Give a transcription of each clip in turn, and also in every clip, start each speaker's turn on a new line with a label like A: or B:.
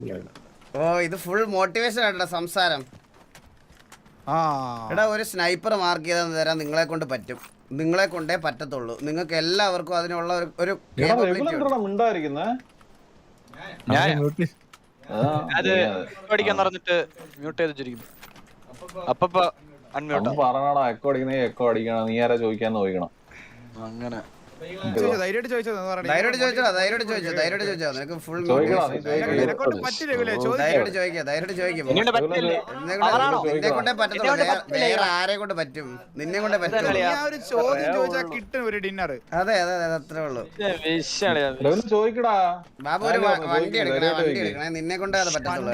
A: ഓ ഇത് full motivation ആയിട്ടാ സംസാരം. എടാ ഒരു സ്നൈപ്പർ മാർക്ക് ചെയ്ത് തരാൻ നിങ്ങളെ കൊണ്ട് പറ്റും. നിങ്ങളെ കൊണ്ടേ പറ്റത്തുള്ളൂ. നിങ്ങൾക്ക് എല്ലാവർക്കും അതിനുള്ള ഒരു
B: അങ്ങനെ
A: ധൈര്യമായിട്ട് ചോദിച്ചോ. നിനക്ക് ഫുൾ നിന്നെ കൊണ്ടേ പറ്റത്തുള്ളൂ. വേറെ ആരെ കൊണ്ട് പറ്റും? നിന്നെ കൊണ്ടേ പറ്റും. അതെ അതെ അതെ അത്രേ ഉള്ളൂ. ബാബു ഒരു വണ്ടി എടുക്കണേ. നിന്നെ കൊണ്ടേ അത് പറ്റത്തുള്ളൂ.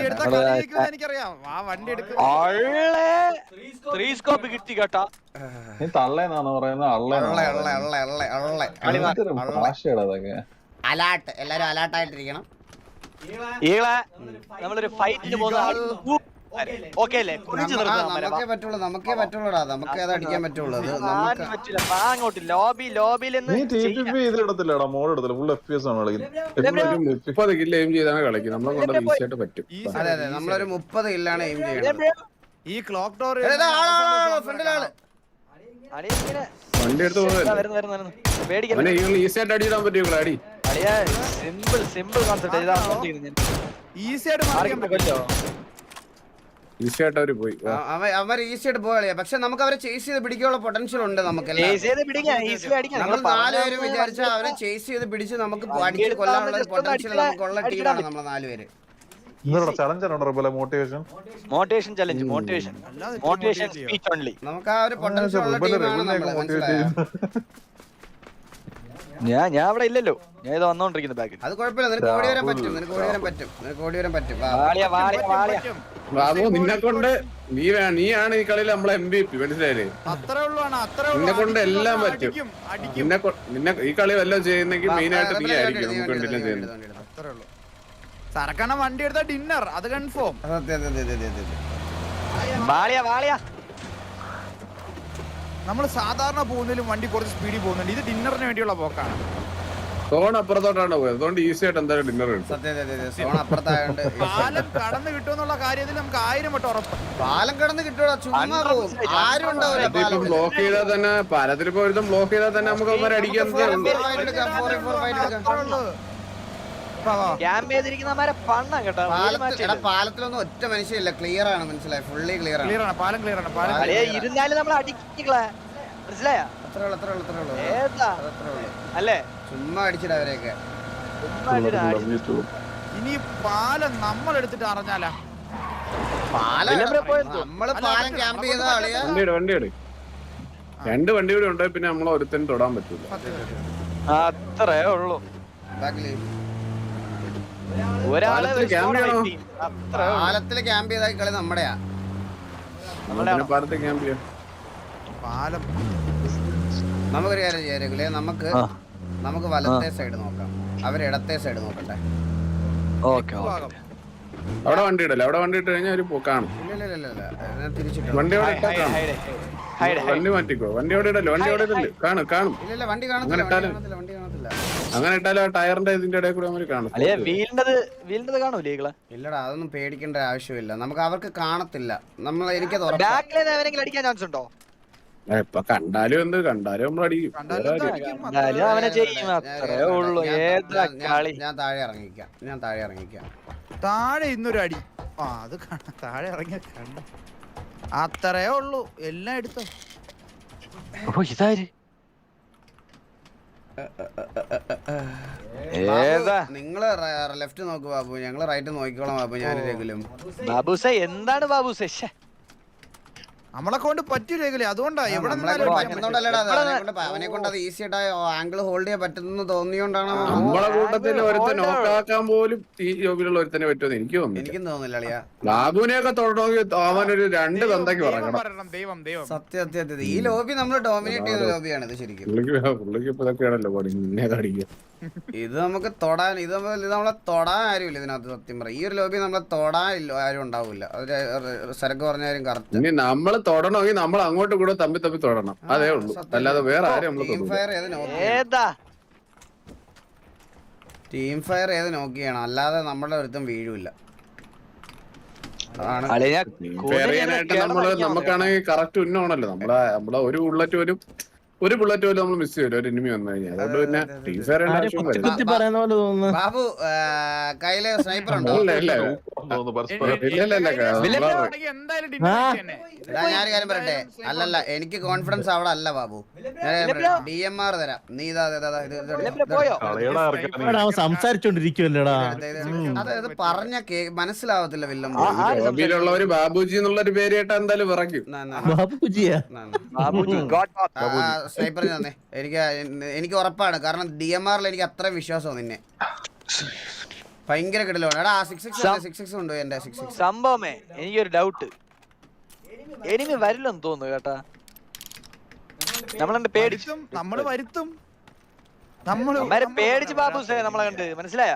A: അലാട്ട് എല്ലാരും അലാട്ടായിട്ടിരിക്കണം.
B: നമ്മളൊരു ഫൈറ്റിന് പോകുന്ന
A: നമുക്കേ പറ്റുള്ളൂടാ. നമുക്ക് അത് അടിക്കാൻ പറ്റുള്ളൂ. അതെ അതെ നമ്മളൊരു 30 കില്ലാണ് എയിം ചെയ്യണം.
C: ഈ ക്ലോക്ക് ടവർ
A: ഫ്രണ്ടിലാണ്
D: വണ്ടി എടുത്ത് ഈസി ആയിട്ട് അടിയിടാൻ പറ്റും. അടി
C: ഈസി ആയിട്ട്
D: ഈസി ആയിട്ട് അവര് പോയി.
A: അവർ ഈസി ആയിട്ട് പോയാ. പക്ഷെ നമുക്ക് അവരെ ചേസ് ചെയ്ത് പിടിക്കാനുള്ള പൊട്ടൻഷ്യൽ ഉണ്ട്. നമുക്ക് നമ്മൾ 4 പേര് വിചാരിച്ചാൽ അവരെ ചേസ് ചെയ്ത് പിടിച്ച് നമുക്ക് അടിച്ച് കൊല്ലാനുള്ള പൊട്ടൻഷ്യൽ നമുക്കുള്ള ടീമാണ് നമ്മൾ 4 പേര്. നമുക്ക് ആ ഒരു പൊട്ടൻഷ്യൽ ഉള്ള ടീമാണ് നമ്മൾ. മനസ്സിലായോ?
B: ഞാൻ അവിടെ ഇല്ലല്ലോ. ഞാൻ ഇത് വന്നോണ്ടിരിക്കുന്ന ബാക്കിൽ.
A: അത് കുഴപ്പമില്ല. നിനക്ക് ഓടി വരാൻ പറ്റും. നിനക്ക് ഓടി വരാൻ പറ്റും.
D: ബാബു നിന്നെ കൊണ്ട് നീയാണ് ഈ കളിയിൽ നമ്മളെ MVP. മനസ്സിലായില്ലേ? നിന്നെ കൊണ്ട് എല്ലാം പറ്റും. നിന്നെ ഈ കളി വല്ലതും ചെയ്യുന്നെങ്കിൽ മെയിൻ ആയിട്ട് നീ ആയിരിക്കും നമുക്ക് വേണ്ടിയെല്ലാം ചെയ്യുന്നത്.
C: സരക്കണ വണ്ടി എടുത്ത ഡിന്നർ അത് കൺഫേം. നമ്മള് സാധാരണ പോകുന്നതിലും വണ്ടി കുറച്ച് സ്പീഡിൽ പോകുന്നുണ്ട്. ഇത് ഡിന്നറിന് വേണ്ടിയുള്ള പോക്കാണ്.
D: സോൺ അപ്പുറത്തോട്ടാണ് പോയത്. അതുകൊണ്ട് ഈസി ആയിട്ട് എന്തായാലും ഡിന്നർ കിട്ടും.
C: പാലം കടന്ന് കിട്ടുമെന്നുള്ള കാര്യത്തിൽ നമുക്ക് 1000 വട്ടം ഉറപ്പ്.
A: പാലം കടന്ന് കിട്ടുമോ? ചുമ്മാ പോകും. ആരും ഉണ്ടാവില്ല.
D: ബ്ലോക്ക് ചെയ്താൽ തന്നെ പാലത്തിൽ പോയി ബ്ലോക്ക് ചെയ്താൽ തന്നെ നമുക്ക് അവന്മാരെ അടിക്കാൻ പാലത്തിലൊന്നും ഒറ്റ മനുഷ്യല്ല. ക്ലിയർ ആണ്. മനസ്സിലായി? ഫുള്ളി ക്ലിയർ ആണ്.
C: പാലം ക്ലിയർ ആണ്.
B: അല്ലേ
A: ചുമ്മാ അടിച്ചിട്ട് അവരെയൊക്കെ.
C: ഇനി പാലം നമ്മൾ എടുത്തിട്ട് അറിഞ്ഞാലാ
A: നമ്മള് പാലം ക്യാമ്പ് ചെയ്ത ആളിയാ.
D: വണ്ടിയുടെ 2 വണ്ടി കൂടി ഉണ്ടെങ്കിൽ പിന്നെ നമ്മളെ ഒരുത്തനും തൊടാൻ പറ്റൂല.
B: അത്രേ ഉള്ളൂ.
A: പാലത്തില് ക്യാമ്പ് ചെയ്ത കളി നമ്മുടെയാ.
D: പാലത്തിൽ ക്യാമ്പ് ചെയ്യാം.
C: പാലം
A: നമുക്കൊരു കാര്യം ചെയ്യാറില്ലേ? നമുക്ക് വലത്തെ സൈഡ് നോക്കാം. അവർ ഇടത്തെ സൈഡ് നോക്കട്ടെ.
D: അവിടെ വണ്ടി ഇടല്ലേ? അവിടെ വണ്ടി ഇട്ട് കഴിഞ്ഞാൽ അവര് കാണും. വണ്ടി അവിടെ ഇട്ടാ കാണും. വണ്ടി മാറ്റിക്കോ. വണ്ടി അവിടെ ഇടല്ലോ. വണ്ടി അവിടെ ഇടല്ലേ? കാണും. അങ്ങനെ ഇട്ടാലും ആ ടയറിന്റെ ഇതിന്റെ ഇടയിൽ കൂടെ അവര് കാണും.
A: ഇല്ലടാ അതൊന്നും പേടിക്കേണ്ട ആവശ്യമില്ല. നമുക്ക് അവർക്ക് കാണത്തില്ല. എനിക്കത്
D: ഇപ്പൊ കണ്ടാലും നമ്മൾ അടിക്കും.
A: ഞാൻ താഴെ ഇറങ്ങിക്കാം.
C: താഴെ ഇന്നൊരു അടി. അത് താഴെ ഇറങ്ങിയ കണ്ട അത്രേ ഉള്ളൂ. എല്ലാം എടുത്തോ.
A: നിങ്ങള് ലെഫ്റ്റ് നോക്ക് ബാബു. ഞങ്ങള് റൈറ്റ് നോക്കിക്കോളാം ബാബു. ഞാനും
B: എന്താണ് ബാബുസേ?
C: നമ്മളെ കൊണ്ട് പറ്റില്ലേ? അതുകൊണ്ടാ എവിടെ
A: അവനെ കൊണ്ട് അത് ഈസി ആയിട്ട് ആംഗിൾ ഹോൾഡ് ചെയ്യാൻ പറ്റുന്ന തോന്നിയോണ്ടാണ്.
D: നമ്മളെ കൂട്ടത്തിൽ ഒരുത്തൻ നോക്കാക്കാൻ പോലും ഈ ജോബിലുള്ള ഒരുത്തനെ പറ്റുമെന്ന് എനിക്കും
A: തോന്നില്ല അളിയാ.
D: ബാബുവിനെയൊക്കെ തൊടണമെങ്കിൽ അവനൊരു 2 തന്തയ്ക്ക് പറയണം.
A: സത്യം. ഈ ലോബി നമ്മൾ ഡോമിനേറ്റ് ചെയ്യുന്ന ലോബിയാണ് ഇത് ശരിക്കും.
D: പുള്ളിക്ക് ഇപ്പൊ ഇതൊക്കെയാണല്ലോ പണി. നിന്നെ അടിക്കുക.
A: ഇത് നമുക്ക് തൊടാൻ നമ്മളെ തൊടാൻ ആരുമില്ല ഇതിനകത്ത്. സത്യം പറ ഈ ഒരു ലോബി നമ്മളെ തൊടാൻ ആരും ഉണ്ടാവില്ല. സരക്ക് പറഞ്ഞാലും കറക്റ്റ്.
D: ഇനി നമ്മള് തൊടണമെങ്കിൽ നമ്മൾ അങ്ങോട്ടും കൂടെ തമ്മി തൊടണം. അതേ ഉള്ളൂ. അല്ലാതെ വേറെ ആരും
A: ടീം ഫയർ ഏത് നോക്കിയാണ്. അല്ലാതെ നമ്മുടെ ഒരുത്തും വീഴില്ല.
D: ഫെറിയാനായിട്ട് നമുക്കാണെങ്കിൽ കറക്റ്റ് ഉന്നോണല്ലോ നമ്മളെ ഒരു ബുള്ളറ്റ് പോലും നമ്മൾ മിസ് ചെയ്യും ഒരു എനിമി വന്നു കഴിഞ്ഞാൽ. അതുകൊണ്ട് പിന്നെ ടീം ഫെയർ
A: ബാബു കയ്യില് സ്നൈപ്പർ ഉണ്ടോ? ഞാനൊരു കാര്യം പറയട്ടെ, അല്ലല്ല എനിക്ക് കോൺഫിഡൻസ് അവിടെ അല്ല ബാബു. DMR തരാം. നീ
E: സംസാരിച്ചോണ്ടിരിക്കുവല്ലേടാ.
A: അത് പറഞ്ഞ മനസ്സിലാവത്തില്ല വില്ലം.
D: ഒരു ബാബുജി എന്നുള്ളൊരു പേര് കേട്ടാ എന്തായാലും വിറയ്ക്കും.
E: ബാബുജിയാ
A: സ്നൈപ്പർ തന്നെ എനിക്ക് ഉറപ്പാണ്. കാരണം DMR എനിക്ക് അത്ര വിശ്വാസമാണ് നിന്നെ. ഭയങ്കര കിടലാണ്. എടാ 6 ഉണ്ടോ എന്റെ 6
B: സംഭവമേ? എനിക്കൊരു ഡൗട്ട്, എനിമി വരില്ലെന്ന് തോന്നുന്നു കേട്ടാ. നമ്മളെ പേടിച്ചും
C: നമ്മള് വരുത്തും
B: പേടിച്ച് ബാബുസേ നമ്മളെ കണ്ട് മനസ്സിലായ.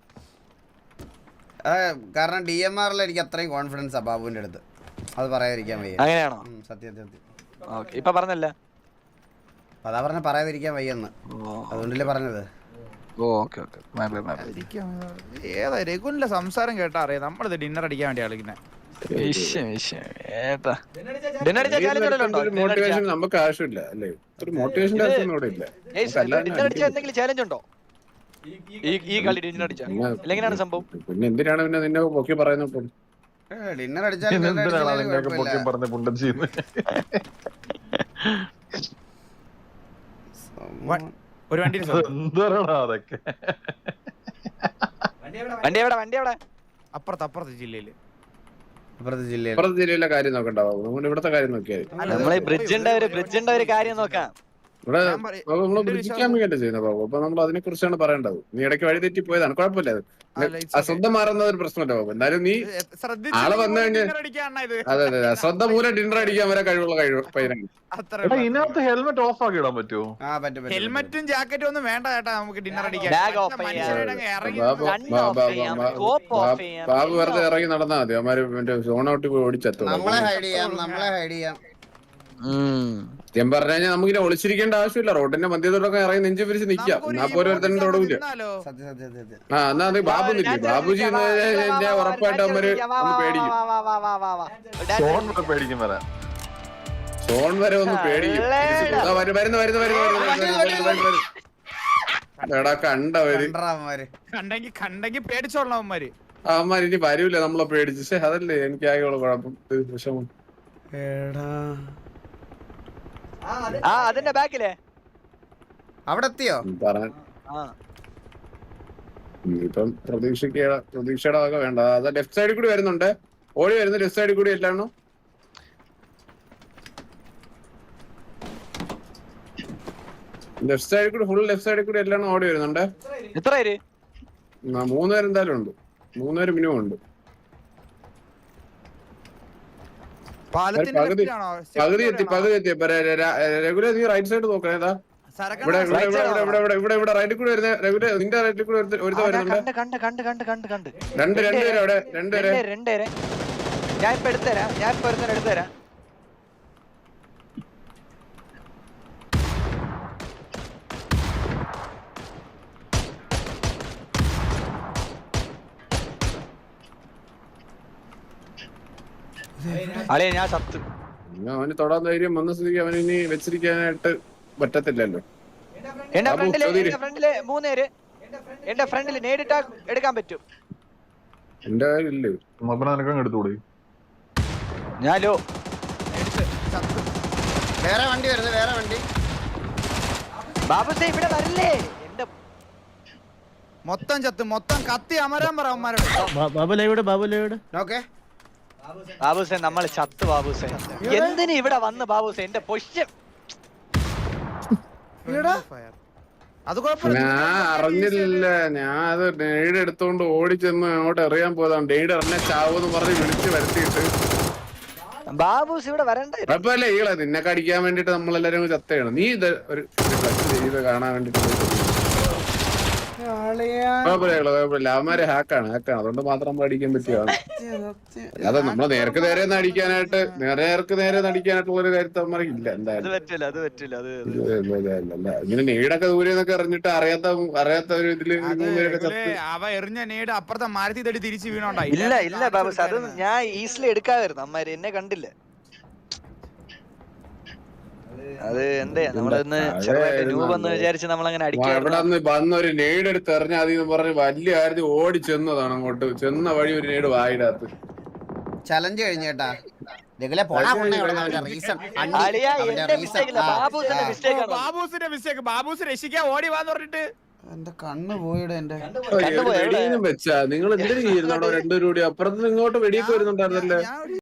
A: കാരണം DMR എനിക്ക് അത്രയും കോൺഫിഡൻസാ ബാബുവിന്റെ അടുത്ത്. അത് പറയാതിരിക്കാൻ വയ്യ.
B: അങ്ങനെയാണോ?
A: സത്യം.
B: ഇപ്പൊ പറഞ്ഞല്ല,
A: അതാ പറഞ്ഞ പറയാതിരിക്കാൻ വയ്യെന്ന്. അതുകൊണ്ടല്ലേ പറഞ്ഞത്.
C: ഏതാ രഘുവിന്റെ സംസാരം കേട്ടാ അറിയാം. നമ്മളിത് ഡിന്നർ അടിക്കാൻ വേണ്ടി ആളിങ്ങനെ
D: മോട്ടിവേഷൻ നമുക്ക് ആവശ്യമില്ല അല്ലേ? ഒരു മോട്ടിവേഷൻ
B: എന്തെങ്കിലും ചാലഞ്ച് ഉണ്ടോ ഈ കളി? ഡിന്നർ അടിച്ചാ എങ്ങനെയാണ് സംഭവം?
D: പിന്നെ എന്തിനാണ് പിന്നെ നിന്നെ പൊക്കി പറയുന്നത്?
A: ഡിന്നർ അടിച്ചാൽ
C: ഒരു വണ്ടി അപ്പുറത്തെ
D: ജില്ലയിലെ കാര്യം നോക്കണ്ടാവും. നമ്മുടെ ഇവിടത്തെ കാര്യം നോക്കിയാൽ
B: നമ്മളെ ബ്രിഡ്ജിന്റെ ഒരു കാര്യം നോക്കാം.
D: ഇവിടെ നമ്മള് ബ്രിഡ്ജിക്കാൻ വേണ്ടി ചെയ്യുന്ന ബാബു. അപ്പൊ നമ്മൾ അതിനെ കുറിച്ചാണ് പറയേണ്ടത്. നീ ഇടയ്ക്ക് വഴി തെറ്റി പോയതാണ്, കുഴപ്പമില്ല. അശ്രദ്ധ മാറുന്ന ഒരു പ്രശ്നമല്ല ബാബു. എന്നാലും നീ ആളെ വന്നു കഴിഞ്ഞാൽ അതെ അശ്രദ്ധ മൂലം ഡിന്നർ അടിക്കാൻ വരെ കഴിവുള്ള പയ്യനാണ്.
F: ഇതിനകത്ത് ഹെൽമെറ്റ് ഓഫ് ആക്കി ഇടാൻ പറ്റുമോ?
C: ഹെൽമെറ്റും ജാക്കറ്റും ഒന്നും വേണ്ട ചേട്ടാ. നമുക്ക് ഡിന്നർ അടിക്കാൻ
D: ബാബു വെറുതെ ഇറങ്ങി നടന്നാ മതി. അവന്മാര് സോൺ ഔട്ട് പോയി ഓടിച്ചെത്തും.
A: നമ്മളെ ഹൈഡ് ചെയ്യാം.
D: ഞാൻ പറഞ്ഞു കഴിഞ്ഞാൽ നമുക്കിങ്ങനെ ഒളിച്ചിരിക്കേണ്ട ആവശ്യമില്ല. റോഡിന്റെ മധ്യത്തോടൊക്കെ ഇറങ്ങി നെഞ്ചു പിരിച്ച് നിക്കാം. എന്നാ പോലെ ഒരുത്തന്നെ റോഡില്ല. എന്നാ അത് ബാബു നില്ലേ? ബാബുജി ഞാൻ ഉറപ്പായിട്ട് അവര് ഒന്ന് പേടിക്കും. സോൺ വരെ ഒന്ന് പേടിക്കും. എടാ കണ്ടവര്
C: കണ്ടെങ്കി പേടിച്ചോളാം അവന്മാര്.
D: അവന്മാര് ഇനി വരൂല നമ്മളെ പേടിച്ച്. അതല്ലേ എനിക്ക് ആകെയുള്ള കുഴപ്പം, വിഷമം.
B: അതിന്റെ ബാക്കിലെ
A: അവിടെ എത്തിയോ?
D: ഇപ്പം പ്രതീക്ഷയുടെ വക വേണ്ട. അത് ലെഫ്റ്റ് സൈഡിൽ കൂടി വരുന്നുണ്ട്. ഓടി വരുന്നു ലെഫ്റ്റ് സൈഡിൽ കൂടി. എല്ലാണോ ലെഫ്റ്റ് സൈഡിൽ കൂടി, ഫുൾ ലെഫ്റ്റ് സൈഡിൽ കൂടി എല്ലാണോ ഓടി വരുന്നുണ്ട്.
B: എത്ര പേര്?
D: 3 പേര് എന്തായാലും ഉണ്ട്. 3 പേര് മിനിമം ഉണ്ട്. പകുതി എത്തി. റെഗുലർ നീ റൈറ്റ് സൈഡ് നോക്കണേ. ഇവിടെ റൈറ്റിൽ കൂടി വരുന്ന റെഗുലർ നിന്റെ റൈറ്റിൽ കൂടി ഒരുത്ത വരുന്നുണ്ട്. രണ്ടുപേരെ
B: ഞാൻ ഇപ്പൊ എടുത്തുതരാം. ഞാൻ സത്ത്.
D: അവന് തൊടാൻ ധൈര്യം വന്ന സ്ഥിതിക്ക് അവന് ഇനി വെച്ചിരിക്കാനായിട്ട് പറ്റത്തില്ലല്ലോ.
B: എന്റെ ഫ്രണ്ടില് 3 പേര്. എന്റെ ഫ്രണ്ടില് നേരിട്ട് എടുക്കാൻ പറ്റും.
D: എന്റെ കാര്യമില്ലേ
F: എടുത്തുകൂടി.
B: ഞാനോ
A: വേറെ വണ്ടി
B: ബാബുസേ ഇവിടെ വരില്ലേ? എന്റെ
C: മൊത്തം ചത്ത്, മൊത്തം കത്തി അമരാൻ പറ അവന്മാരോട്.
E: ബാബുലേവിടെ
A: ഓക്കെ
B: ബാബുസേ നമ്മൾ ചത്ത്. ബാബുസേ എന്തിനു ഇവിടെ വന്ന്? ബാബുസേ എന്റെ പൊഷ്യൻ
D: ഞാൻ അറിഞ്ഞില്ല. ഞാൻ അത് ഡെയ്ഡ് എടുത്തോണ്ട് ഓടിച്ചെന്ന് അങ്ങോട്ട് എറിയാൻ പോയതാണ്. ഡെയ്ഡ് എന്നെ ചാവെന്ന് പറഞ്ഞ് വിളിച്ച് വരുത്തിയിട്ട്
B: ബാബുസ് ഇവിടെ വരണ്ടേ?
D: കുഴപ്പമില്ല. ഈളെ നിന്നൊക്കെ അടിക്കാൻ വേണ്ടിട്ട് നമ്മളെല്ലാരും ചത്തയാണ്. നീ ഇത് ഒരു കാണാൻ വേണ്ടിട്ട് കുഴപ്പമില്ല അവന്മാര് ഹാക്കാണ് അതുകൊണ്ട് മാത്രം നമ്മൾ അടിക്കാൻ പറ്റിയാണ്. അല്ലാതെ നമ്മളെ നേർക്ക് നേരെ അടിക്കാനായിട്ട് നേരെ നടിക്കാനായിട്ടുള്ള ഒരു കാര്യത്തിൽ അവന്മാർക്ക് ഇല്ല. എന്തായാലും ഇങ്ങനെ നീടൊക്കെ ദൂരെ നിന്നൊക്കെ എറിഞ്ഞിട്ട് അറിയാത്ത ഒരു ഇതില്
C: അവ എറിഞ്ഞ നേട് അപ്പുറത്തെ മരത്തിൽ തടി തിരിച്ചു വീണോണ്ടായി.
B: ഇല്ല ബാബു, അത് ഞാൻ ഈസിലി എടുക്കാമായിരുന്നു. അമ്മാര് എന്നെ കണ്ടില്ല. അത് എന്തേ നമ്മളൊന്ന് രൂപെന്ന് വിചാരിച്ച് നമ്മളങ്ങനെ
D: ഇവിടെ വന്നൊരു നെയ്ഡ് എടുത്ത് എറിഞ്ഞാൽ അതിന്ന് പറഞ്ഞ് വലിയ കാര്യത്തിൽ ഓടി ചെന്നതാണ്. അങ്ങോട്ട് ചെന്ന വഴി ഒരു നെയ്ഡ് വായിടാത്ത്
A: ചലഞ്ച് കഴിഞ്ഞേട്ടാ.
C: ബാബൂസ് രക്ഷിക്കാൻ ഓടി വാന്ന് പറഞ്ഞിട്ട്
A: എന്റെ കണ്ണ് പോയിട. എന്റെ
D: വെച്ചാ നിങ്ങൾ എന്തിനു ചെയ്യുന്നുണ്ടോ രണ്ടുപേരും കൂടി? അപ്പുറത്ത് ഇങ്ങോട്ട് വെടിയൊക്കെ വരുന്നുണ്ടായിരുന്നല്ലേ?